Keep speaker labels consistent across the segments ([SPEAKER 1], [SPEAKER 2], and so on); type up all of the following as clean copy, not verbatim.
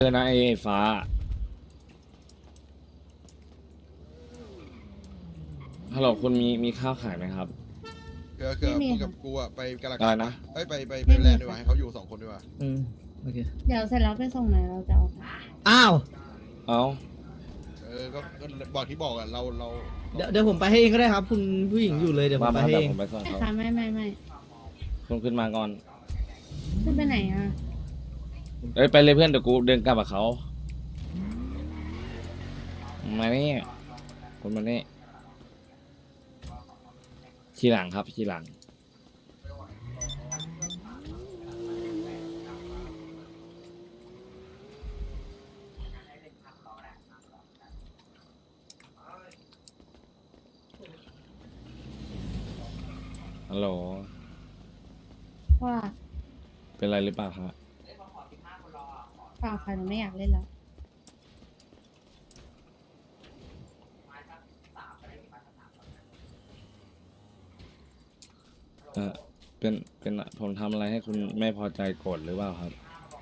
[SPEAKER 1] นะไอ้ฟ้าฮัลโหลคุณมีข้าวขายไหมครับ
[SPEAKER 2] ไม่มี
[SPEAKER 3] มึงกั
[SPEAKER 2] ค่ะ
[SPEAKER 3] บกูอะไปกาลา
[SPEAKER 1] อะไรนะ
[SPEAKER 3] กัดปะเอ้ยไป
[SPEAKER 2] ไม่มี
[SPEAKER 3] แลนด์ดีกว่า
[SPEAKER 2] ค่ะ
[SPEAKER 3] ให้เขาอยู่2 คนดีกว่า
[SPEAKER 4] โอเค
[SPEAKER 2] เดี๋ยวเสร็จแล้วไปส่งไหนเราจะเอาค่ะ
[SPEAKER 4] อ้าว
[SPEAKER 1] เอ้า
[SPEAKER 3] ก็บอกที่บอกอะเรา
[SPEAKER 4] เดี๋ยวผมไปให้เองก็ได้ครับ คุณผู้หญิงอยู่เลยเดี๋ยวผม
[SPEAKER 1] มา
[SPEAKER 4] ไป
[SPEAKER 1] มา
[SPEAKER 4] ให้
[SPEAKER 1] เดี๋ย
[SPEAKER 4] เอ
[SPEAKER 1] ว
[SPEAKER 4] ง
[SPEAKER 1] ผมไปส่ง
[SPEAKER 2] ไม่
[SPEAKER 1] เขา
[SPEAKER 2] ค่ะไม่
[SPEAKER 1] คุณขึ้นมาก่อน
[SPEAKER 2] ขึ้นไปไหนอ่ะ
[SPEAKER 1] เอ้ยไปเลยเพื่อนเดี๋ยวกูเดินกลับกับเขามานี่คุณมานี่ทีหลังครับทีหลังฮัลโหล
[SPEAKER 2] ว่า
[SPEAKER 1] เป็นไรหรือเปล่าครับ
[SPEAKER 2] เปล่าค่ะหนูไม่อยากเล่นแล้ว
[SPEAKER 1] เออเป็นผมทำอะไรให้คุณไม่พอใจโกรธหรือเปล่าครับ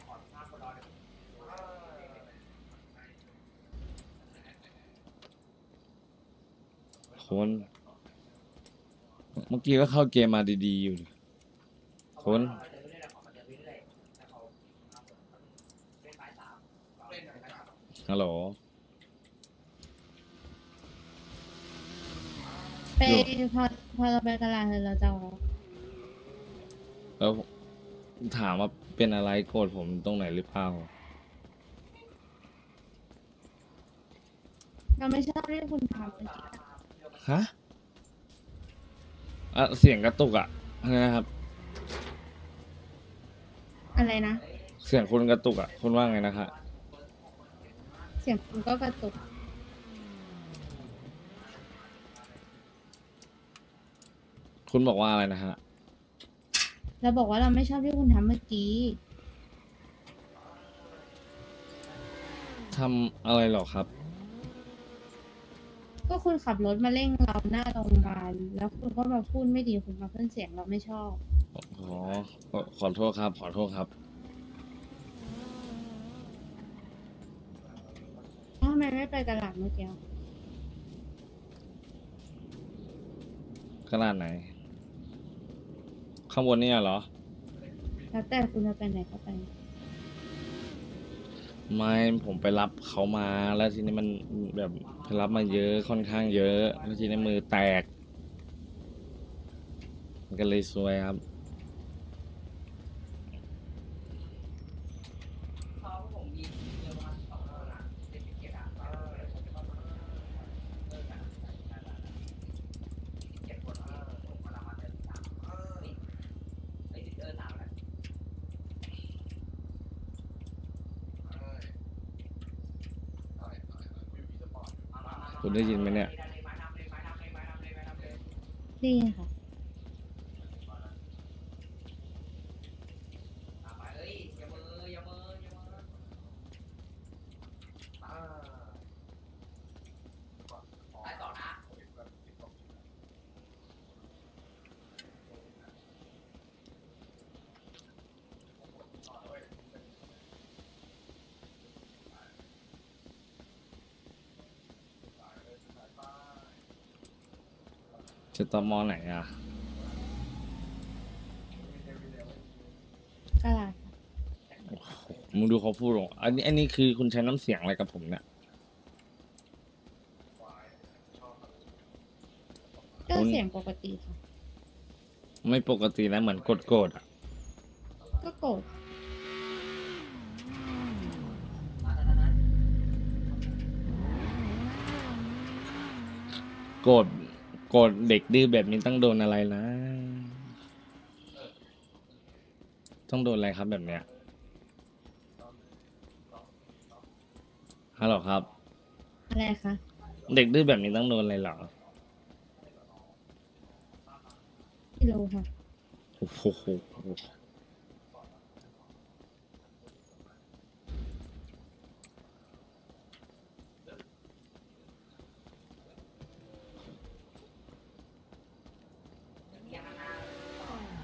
[SPEAKER 1] คนเมื่อกี้ก็เข้าเกมมาดีๆอยู่ดิคนฮัลโหล
[SPEAKER 2] ไป
[SPEAKER 1] อยู่
[SPEAKER 2] พอเราไปตลาดเสร็จเราจะเอา
[SPEAKER 1] แล้วถามว่าเป็นอะไรโกรธผมตรงไหนหรือเปล่า
[SPEAKER 2] เราไม่ชอบที่คุณทำเมื่อกี้
[SPEAKER 1] ฮะอ่ะเสียงกระตุกอ่ะอะไรนะครับ
[SPEAKER 2] อะไรนะ
[SPEAKER 1] เสียงคุณกระตุกอ่ะคุณว่าไงนะครับ
[SPEAKER 2] เสียงคุณก็กระตุก
[SPEAKER 1] คุณบอกว่าอะไรนะฮะ
[SPEAKER 2] เราบอกว่าเราไม่ชอบที่คุณทำเมื่อกี้
[SPEAKER 1] ทำอะไรหรอครับ
[SPEAKER 2] ก็คุณขับรถมาเร่งเราหน้าโรงพยาบาลแล้วคุณก็มาพูดไม่ดีคุณมาเพิ่นเสียงเราไม่ชอบ
[SPEAKER 1] อ๋อขอโทษครับขอโทษครับ
[SPEAKER 2] ทำไมไม่ไปตลาดเมื่อกี้
[SPEAKER 1] ขนาดไหน ข้างบนเนี่ยเหรอ
[SPEAKER 2] แล้วแต่คุณจะไปไหนก็ไป
[SPEAKER 1] ไม่ผมไปรับเขามาแล้วทีนี้มันแบบไปรับมาเยอะค่อนข้างเยอะแล้วทีนี้มือแตกมันก็เลยซวยครับ คุณได้ยินไหมเนี่ย
[SPEAKER 2] ดีค่ะ
[SPEAKER 1] จะตอมอไหนอ่ะ
[SPEAKER 2] ตลาดค่ะ
[SPEAKER 1] มึงดูเขาพูดหรออันนี้คือคุณใช้น้ำเสียงอะไรกับผมเนี่ย
[SPEAKER 2] ก็เสียงปกติค่ะ
[SPEAKER 1] ไม่ปกติแล้วเหมือนโกรธอ่ะ
[SPEAKER 2] ก็โกรธ
[SPEAKER 1] โกรธเด็กดื้อแบบนี้ต้องโดนอะไรนะ ต้องโดนอะไรครับแบบเนี้ยฮัลโหลครับ
[SPEAKER 2] อะไรคะ
[SPEAKER 1] เด็กดื้อแบบนี้ต้องโดนอะไรเหรอ
[SPEAKER 2] กิโลค่ะ
[SPEAKER 1] โอ้โห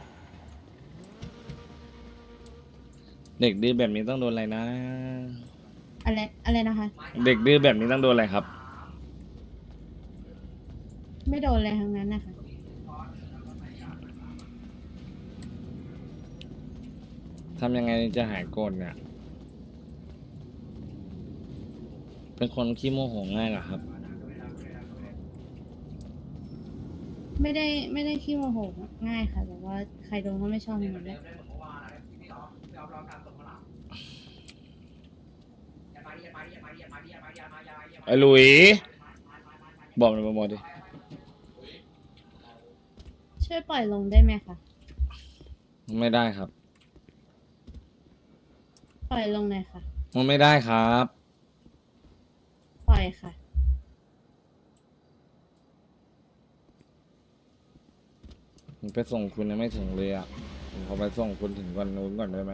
[SPEAKER 1] เด็กดื้อแบบนี้ต้องโดนอะไรนะ
[SPEAKER 2] อะไรนะคะ
[SPEAKER 1] เด็กดื้อแบบนี้ต้องโดนอะไรครับ
[SPEAKER 2] ไม่โดนอะไรทั้งนั้นนะคะ
[SPEAKER 1] ทำยังไงจะหายโกรธเนี่ย เป็นคนขี้โมโหง่ายเหรอครับ
[SPEAKER 2] ไม่ได้ขี้โมโหง่ายค่ะ แต่ว่าใครโดนก็ไม่ชอบเหมือนกันแหละ
[SPEAKER 1] ไอ้หลุย บอกหน่อยบอกดิ
[SPEAKER 2] ช่วยปล่อยลงได้ไหมคะ
[SPEAKER 1] ไม่ได้ครับ
[SPEAKER 2] ปล่อยลงหน่อยค่ะ
[SPEAKER 1] มันไม่ได้ครับ
[SPEAKER 2] ปล่อยค่ะ
[SPEAKER 1] ผมไปส่งคุณยังไม่ถึงเลยอ่ะผมขอไปส่งคุณถึงวันนู้นก่อนได้ไหม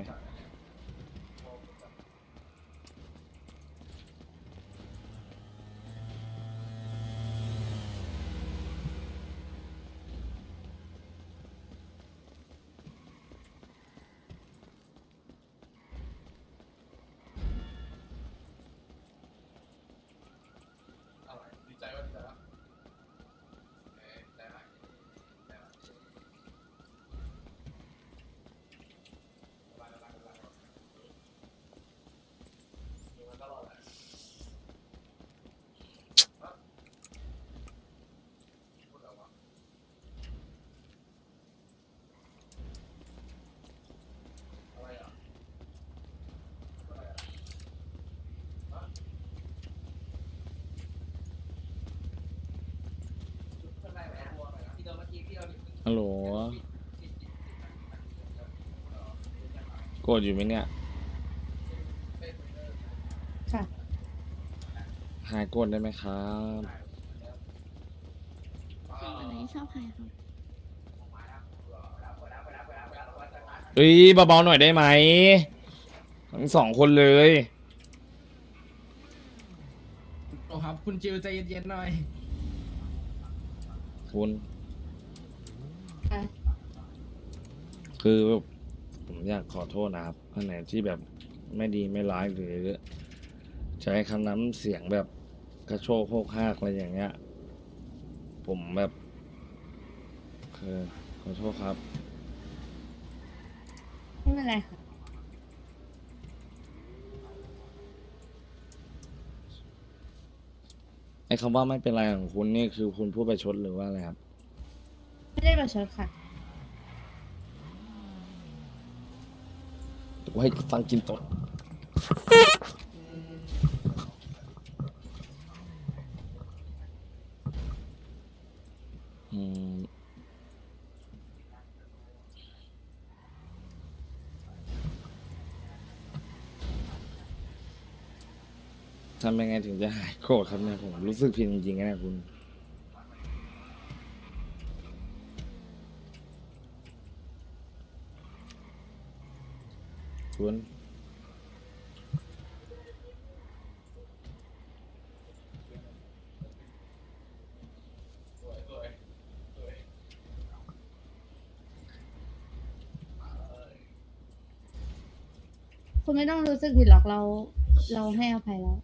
[SPEAKER 1] ฮัลโหล โกรธอยู่ไหมเนี่ย
[SPEAKER 2] ค่ะ
[SPEAKER 1] หายโกรธได้ไหมครับ
[SPEAKER 5] ชอบอะไรชอบใครครับ
[SPEAKER 1] เอ้ยเบาๆหน่อยได้ไหม ทั้งสองคนเลย
[SPEAKER 6] โอ้ครับ คุณจิวใจเย็นๆหน่อย
[SPEAKER 1] คุณ
[SPEAKER 2] ค่ะ
[SPEAKER 1] คือผมอยากขอโทษนะครับอันไหนที่แบบไม่ดีไม่ร้ายหรือใช้คำน้ำเสียงแบบกระโชกโคกฮากอะไรอย่างเงี้ย ผมแบบคือขอโทษครับ
[SPEAKER 2] ไม่เป็นไรค่ะ
[SPEAKER 1] ไอ้คำว่าไม่เป็นไรของคุณนี่คือคุณพูดประชดหรือว่าอะไรครับ
[SPEAKER 2] ไม่ได้ประชดค่ะ
[SPEAKER 1] กูให้ฟังกินตดอืมทำยังไงถึงจะหายโกรธครับเนี่ยผมรู้สึกผิดจริงๆนะคุณ
[SPEAKER 2] คุณไม่ต้องรู้สึกผิดหรอกเราให้อภัยแล้ว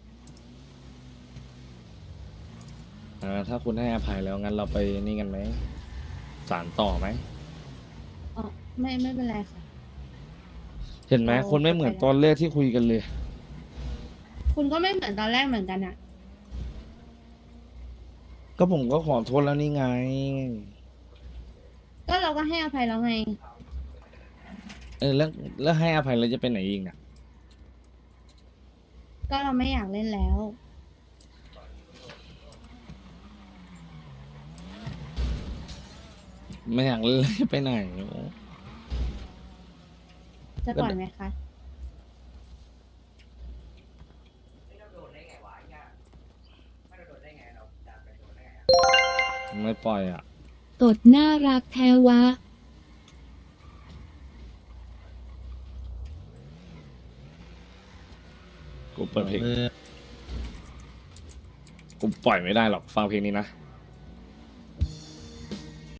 [SPEAKER 1] ถ้าคุณให้อภัยแล้วงั้นเราไปนี่กันไหมสารต่อไหม
[SPEAKER 2] อ๋อ ไม่เป็นไรค่ะ
[SPEAKER 1] เห็นไหม
[SPEAKER 2] เรา
[SPEAKER 1] คนไม่เหมือนตอนแรกที่คุยกันเลย
[SPEAKER 2] คุณก็ไม่เหมือนตอนแรกเหมือนกันอะ
[SPEAKER 1] ก็ผมก็ขอโทษแล้วนี่ไง
[SPEAKER 2] ก็เราก็ให้อภัยแล้วไง
[SPEAKER 1] แล้วให้อภัยเราจะไปไหนอีกอ่ะ
[SPEAKER 2] ก็เราไม่อยากเล่นแล้ว
[SPEAKER 1] ไม่อยากเล่นแล้วจะไปไหน
[SPEAKER 2] จะปล่อยไหมคะ
[SPEAKER 1] ไม่ปล่อยอ่ะ
[SPEAKER 5] ตดน่ารักแท้วะ
[SPEAKER 1] กูเปิดเพลง กูปล่อยไม่ได้หรอกฟังเพลงนี้นะ